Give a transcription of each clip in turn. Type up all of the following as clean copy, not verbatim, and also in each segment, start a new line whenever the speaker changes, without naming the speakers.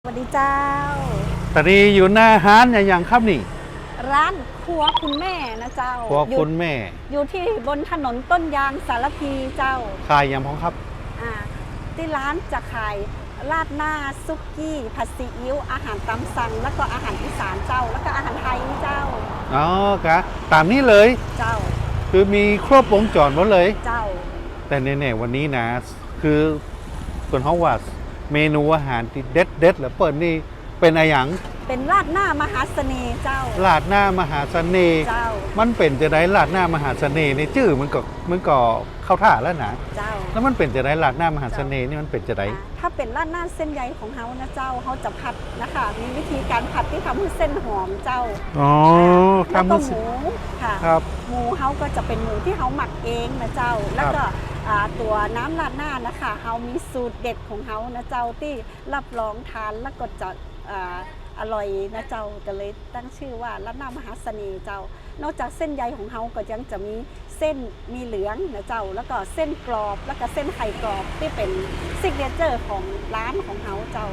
สวัสดีเจ้า
ตอนนี้อยู่หน้าร้านอย่างครับนี่
ร้านครัวคุณแม่นะเจ้า
ครัวคุณแม่
อยู่ที่บนถนนต้นยางสารพีเจ้า
ขายอย่างพ้องครับ
ที่ร้านจะขายราดหน้าซุกี้ผัดซีอิ๊วอาหารตามสั่งแล้วก็อาหารอีสานเจ้าแล้วก็อาหารไทยเจ้า
อ๋อกะตามนี้เลย
เจ้า
คือมีครบวงจรหมดเลย
เจ้า
แต่แน่ๆวันนี้นะคือส่วนเขาว่าเมนูอาหารที่เด็ดแล้วเปิดนี่เป็นอะไรอย่าง
เป็นราดหน้ามหาเสน่ห์เจ้า
ราดหน้ามหาเสน่ห์
เจ้า
มันเป็นจะได้ราดหน้ามหาเสน่ห์ในชื่อมันก็เข้าท่าแล้วนะ
เจ้า
แล้วมันเป็นจะได้ราดหน้ามหาเสน่ห์นี่มันเป็นจะได้
ถ้าเป็นราดหน้าเส้นใยของเฮานะเจ้าเขาจะผัดนะคะมีวิธีการผัดที่ทำให้เส้นหอมเจ้า
อ๋อ
แล้วก็หมูค่ะ
ครับ
หมูเฮาก็จะเป็นหมูที่เฮาหมักเองนะเจ้าแล้วก็ตัวน้ำราดหน้านะคะเฮามีสูตรเด็ดของเฮานะเจ้าที่รับรองทานแล้วก็จะอร่อยนะเจ้าก็เลยตั้งชื่อว่าราดหน้ามหาเสน่ห์เจ้านอกจากเส้นใยของเฮาก็ยังจะมีเส้นมีเหลืองนะเจ้าแล้วก็เส้นกรอบแล้วก็เส้นไข่กรอบที่เป็นซิกเนเจอร์ของร้านของเฮาเจ้า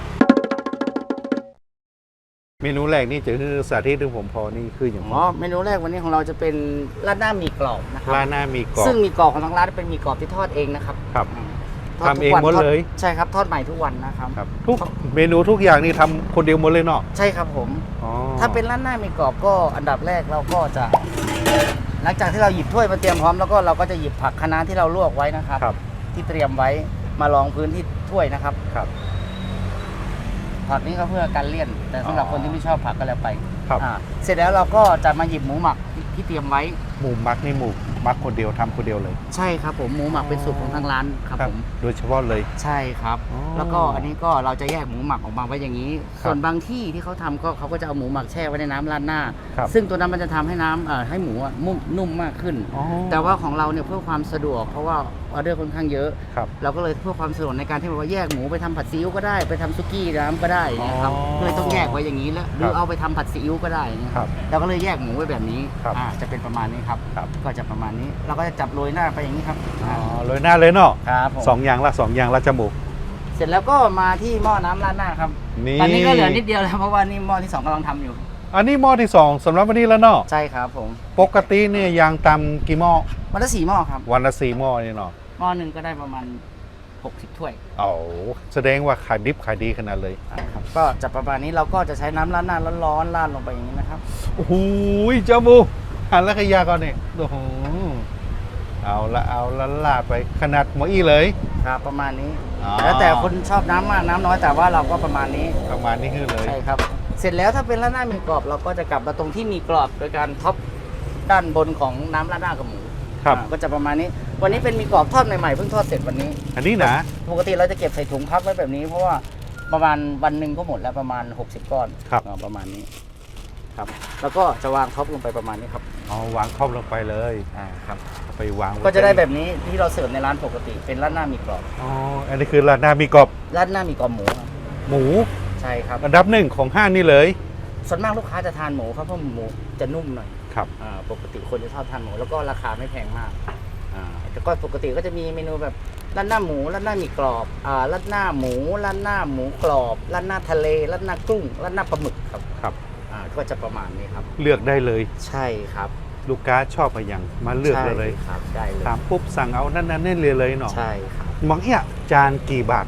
เมนูแรกนี่จะคือสาธิตที่ผมพอนี่คืออย่าง
เมนูแรกวันนี้ของเราจะเป็นราดหน้าหมี่กรอบนะครับ
ราดหน้าหมี่กรอบ
ซึ่งหมี่กรอบของทางร้านเป็นหมี่กรอบที่ทอดเองนะครับ
ครับทำเองหมดเลย
ใช่ครับทอดใหม่ทุกวันนะครับ
ทุกเมนูทุกอย่างนี่ทำคนเดียวหมดเลยเนาะ
ใช่ครับผมถ้าเป็นราดหน้าหมี่กรอบก็อันดับแรกเราก็จะหลังจากที่เราหยิบถ้วยมาเตรียมพร้อมแล้วก็เราก็จะหยิบผักคะน้าที่เราลวกไว้นะครับที่เตรียมไว้มารองพื้นที่ถ้วยนะครับผักนี้ก็เพื่อการเลี่ยนแต่สำหรับคนที่ไม่ชอบผักก็แล้วไปเสร็จแล้วเราก็จะมาหยิบหมูหมักที่เตรียมไว้
หมูหมักนี่หมูหมักคนเดียวทำคนเดียวเลย
ใช่ครับผมหมูหมักเป็นสูตรของทางร้านครับผม
โดยเฉพาะเลย
ใช่ครับแล้วก็อันนี้ก็เราจะแยกหมูหมักออกมาไว้อย่างนี้ส่วนบางที่ที่เขาทำก็เขาก็จะเอาหมูหมักแช่ไว้ในน้ำราดหน้าซึ่งตัวนั้นมันจะทำให้น้ำให้หมูนุ่มมากขึ้นแต่ว่าของเราเนี่ยเพื่อความสะดวกเพราะว่าออเดอร์ค่อนข้างเยอะเราก็เลยเพื่อความสะดวกในการที่ว่าแยกหมูไปทำผัดซีอิ๊วก็ได้ไปทำซุกี้น้ำก็ได้นะครับเลยต้องแยกไว้อย่างนี้แล้วหรือเอาไปทำผัดซีอิ๊วก็ได้เราก็เลยแยกหมูไว้แบบนี้จะเป็นประมาณนี้ครับก็จะประมาณนี้เราก็จะจับโรยหน้าไปอย่างนี้ครับ
โรยหน้าเลยเนาะ
ครับ
2 อย่างละจมูก
เสร็จแล้วก็มาที่หม้อน้ำราดหน้าครับตอนนี้ก็เหลือนิดเดียวแล้วเพราะว่านี่หม้อที่2กำลังทำอยู่
อันนี้หม้อที่2สำหรับวันนี้แล้วเนาะ
ใช่ครับผม
ปกติเนี่ยยางตำกี่หม้อ
วันละ4หม้อครับ
วันละ4หม้อนี่เนาะ
หม้อหนึ่งก็ได้ประมาณ60ถ้วย
แสดงว่าขายดิบขายดีขนาดเลย
ครับก็จะประมาณนี้เราก็จะใช้น้ำราดหน้าร้อนๆราดลงไปอย่างนี้นะครับ
โอ้โหจมูกหันแล้วขยาก่อนเนี่ยโอ้โหเอาละลาดไปขนาดหม้ออี้เลย
ครับประมาณนี้แล้วแต่คนชอบน้ำมากน้ำน้อยแต่ว่าเราก็ประมาณนี้
คือเลย
ใช่ครับเสร็จแล้วถ้าเป็นราดหน้าหมี่กรอบเราก็จะกลับมาตรงที่มีกรอบโดยการท็อปด้านบนของน้ำราดหน้ากับหมูก็จะประมาณนี้วันนี้เป็นหมี่กรอบทอดใหม่ๆเพิ่งทอดเสร็จวันนี้
อันนี้นะ
ปกติเราจะเก็บใส่ถุงพักไว้แบบนี้เพราะว่าประมาณวันหนึ่งก็หมดแล้วประมาณ60ก้อนประมาณนี้ครับแล้วก็จะวางท็อปลงไปประมาณนี้ครับ
วางท็อปลงไปเลย
ครับ
ไปวาง
ก็จะได้แบบนี้ที่เราเสิร์ฟในร้านปกติเป็นราดหน้าหมี่กรอบ
อันนี้คือราดหน้าหมี่กรอบ
ราดหน้าหมี่กรอบหมูใช่ครับ
อันดับ1ของห้างนี่เลย
ส่วนมากลูกค้าจะทานหมูครับเพราะหมูจะนุ่มหน่อย
ครับ
ปกติคนจะชอบทานหมูแล้วก็ราคาไม่แพงมากแต่ก็ปกติก็จะมีเมนูแบบราดหน้าหมูราดหน้าหมี่กรอบราดหน้าหมูราดหน้าหมูกรอบราดหน้าทะเลราดหน้ากุ้งราดหน้าปลาหมึกครับก็จะประมาณนี้ครับ
เลือกได้เลย
ใช่ครับ
ลูกค้าชอบอะไรอย่างมาเลือกเลย
ครับได้เลย
ถามปุ๊บสั่งเอานั่นเลยเนาะ
ใช่ครับ
บางเนี่ยจานกี่บาท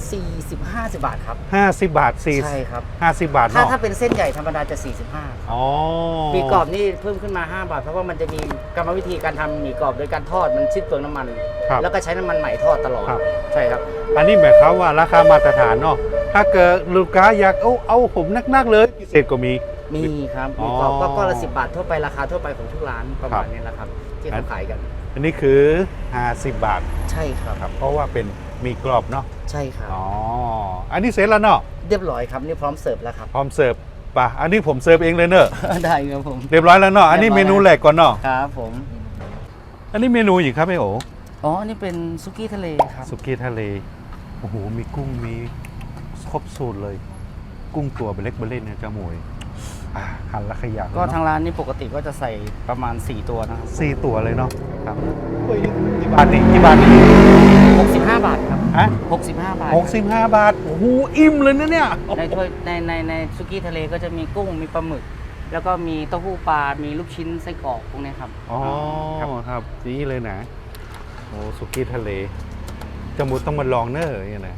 50 บาทครับ
50 บาท
ใช่ครับ
50 บาท
ถ้าเป็นเส้นใหญ่ธรรมดาจะ45หมี่กรอบนี่เพิ่มขึ้นมา5 บาทเพราะว่ามันจะมีกรรมวิธีการทำหมี่กรอบโดยการทอดมันชิ้นเปลืองน้ำมันแล้วก็ใช้น้ำมันใหม่ทอดตลอดใช่ครับ
อันนี้หมายความว่าราคามาตรฐานเนาะถ้าเกิดลูกค้าอยากเอาผมนักเลยพิเศษก็มี
ครับหมี่กรอบก็ละ10 บาททั่วไปราคาทั่วไปของทุกร้านประมาณนี้แหละครับที่เขาขายกัน
อันนี้คือ50 บาท
ใช่ครับ
เพราะว่าเป็นมีกรอบเนาะ
ใช่ครับ
อันนี้เสร็จแล้วเนาะ
เรียบร้อยครับนี่พร้อมเสิร์ฟแล้วครับ
พร้อมเสิร์ฟป่ะอันนี้ผมเสิร์ฟเองเลยเนอะ
ได้ครับผม
เรียบร้อยแล้วเนาะอันนี้เมนูแรกก่อนเนาะ
ครับผม
อันนี้เมนูอีกครับไอโ
อันนี้เป็นซุกี้ทะเลครับ
ซุกี้ทะเลโอ้โหมีกุ้งมีครบสูตรเลยกุ้งตัวเล็กเบลเล่นเนี่ยจะหมวยหันละขยะ
ก็ทางร้านนี่ปกติก็จะใส่ประมาณ4ตัวนะครับ
4ตัวเลยเนาะครับกี่บาทนี่65
บาทครับ
ฮะ
65 บาท
65 บาท โอ้โห อิ่มเลยนะเนี่ย
ในถ้วยในสุกี้ทะเลก็จะมีกุ้งมีปลาหมึก แล้วก็มีเต้าหู้ปลา มีลูกชิ้นไส้กรอกพวกนี้ครับ
อ๋อ
ครับ
ครับนี่เลยนะ โอ้สุกี้ทะเลจมูกต้องมาลองเนอะอย่างเงี้ยนะ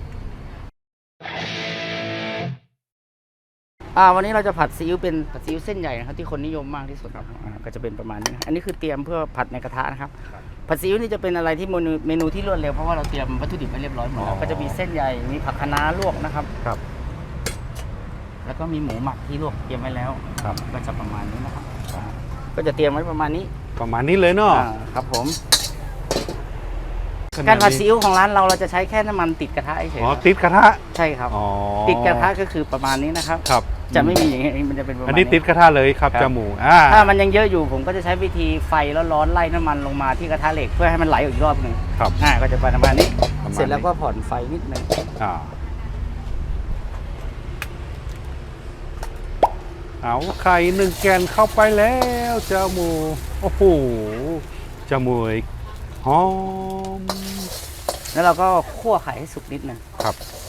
วันนี้เราจะผัดซีอิ๊วเป็นผัดซีอิ๊วเส้นใหญ่นะครับที่คนนิยมมากที่สุดครับก็จะเป็นประมาณนี้นะอันนี้คือเตรียมเพื่อผัดในกระทะนะครับ ผัดซีอิ๊วนี่จะเป็นอะไรที่เมนูที่รวดเร็วเพราะว่าเราเตรียมวัตถุดิบไว้เรียบร้อยหมดแล้วก็จะมีเส้นใหญ่มีผักคะน้าลวกนะครับ
ครับ
แล้วก็มีหมูหมักที่ลวกเตรียมไว้แล้ว
ครับ
ก็จะประมาณนี้นะครับก็จะเตรียมไว้ประมาณนี้
ประมาณนี้เลยเนาะ
ครับผมการผัดซีอิ๊วของร้านเราจะใช้แค่น้ำมันติดกระทะเฉย
อ๋อ ติดกระทะ
ใช่ครับ
อ๋อ
ติดกระทะก็คือประมาณนี้นะครับ
ครับ
จะไม่มีอย่างนี้มันจะเป็นประมาณ
อันนี้ติดกระทะเลยครับ
ครับ
จมูก
ถ้ามันยังเยอะอยู่ผมก็จะใช้วิธีไฟร้อนๆไล่น้ำมันลงมาที่กระทะเหล็กเพื่อให้มันไหลออกอีกรอบหนึ่ง
ครับ
ก็จะประมาณนี้
ประมาณนี้
เสร็จแล้วก็ผ่อนไฟนิดหนึง
อ่าเอาไข่1 แกนเข้าไปแล้วจมูกโอ้โหจมูกหอม
แล้วเราก็คั่วไข่ให้สุกนิดหนึง
ครับ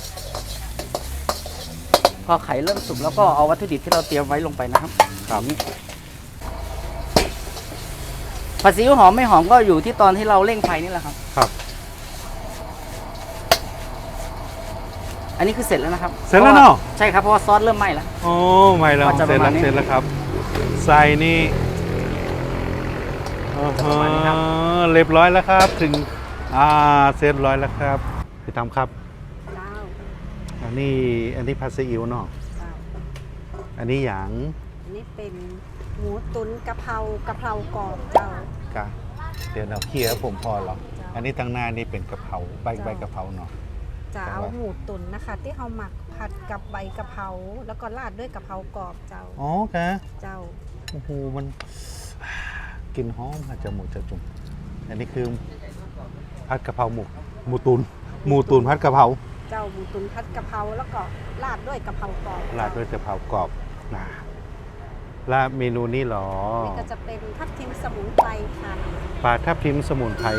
พอไข่เริ่มสุกแล้วก็เอาวัตถุดิบที่เราเตรียมไว้ลงไปนะครับ
ครับ
อย่างนี้ผัดซีอิ๊วหอมไม่หอมก็อยู่ที่ตอนที่เราเร่งไฟนี่แหละครับ
ครับ
อันนี้คือเสร็จแล้วนะครับ
เสร็จแล้วเนอะ
ใช่ครับเพราะว่าซอสเริ่มไหม้แล้ว
โอ้ไม่แล้ว
ก็จะ
เสร็จ
ประมา
แล้ว
ณนี้
เสร็จแล้วครับ ใส่นี่
ประมาณนี้ครับ
เรียบร้อยแล้วครับ ถึงเสร็จร้อยแล้วครับพี่ทำครับ
เจ้า
อันนี้ผัดซีอิ๊วเนาะ
เจ้า
อันนี้อย่าง
อันนี้เป็นหมูตุ๋นกะเพรากรอบเจ้า
กะเดี๋ยวเราเคลียร์ผมพอหรอ
จ้ะ
อันนี้ตั้งหน้านี่เป็นกะเพราใบกะเพราเนาะ
จะเอาหมูตุ๋นนะคะ ที่เราหมักผัดกับใบกะเพราแล้วก็ราดด้วยกะเพรากรอบเจ้า
อ๋อกะ
เจ้า
โอ้โหมันกลินหอมอาจจะหมูจะจุ่มอันนี้คือผัดกะเพราหมูตุนผัดกะเพรา
เจ้าหมูตุ๋นผัดกะเพราแล้วก็ราดด้วยกะเพรากรอบ
ราดด้วยกะเพรากรอบนะและเมนูนี้หรอ
นี่ก็จะเป็นทับทิมสมุนไพรค่ะ
ปลาทับทิมสมุนไพร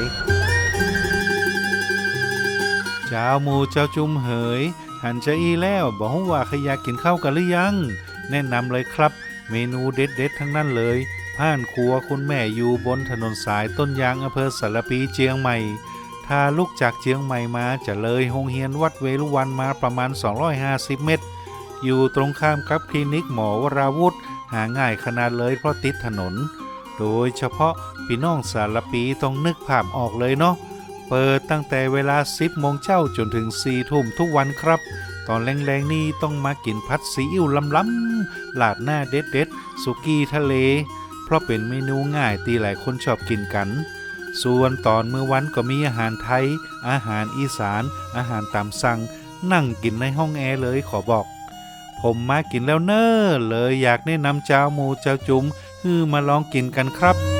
เจ้าหมูเจ้าจุ่มเหย หันจะอีแล้วบอกว่าใครอยากกินข้าวกันหรือยัง แนะนำเลยครับ เมนูเด็ดๆทั้งนั้นเลยผ่านครัวคุณแม่อยู่บนถนนสายต้นยางอำเภอสารปีเจียงใหม่ ถ้าลุกจากเจียงใหม่มาจะเลยโรงเรียนวัดเวรุวันมาประมาณ 250 เมตร อยู่ตรงข้ามกับคลินิกหมอวราวุธ หาง่ายขนาดเลยเพราะติดถนน โดยเฉพาะพี่น้องสารปีต้องนึกภาพออกเลยเนาะ เปิดตั้งแต่เวลา 10 โมงเช้าจนถึง 4 ทุ่มทุกวันครับ ตอนแรงๆนี่ต้องมากินผัดซีอิ๊วล้ำๆลาดหน้าเด็ดๆสุกี้ทะเล เพราะเป็นเมนูง่ายที่หลายคนชอบกินกัน ส่วนตอนมื้อวันก็มีอาหารไทย อาหารอีสาน อาหารตามสั่ง นั่งกินในห้องแอร์เลยขอบอก ผมมากินแล้วเน้อเลยอยากแนะนำเจ้าหมูเจ้าจุ๋มมาลองกินกันครับ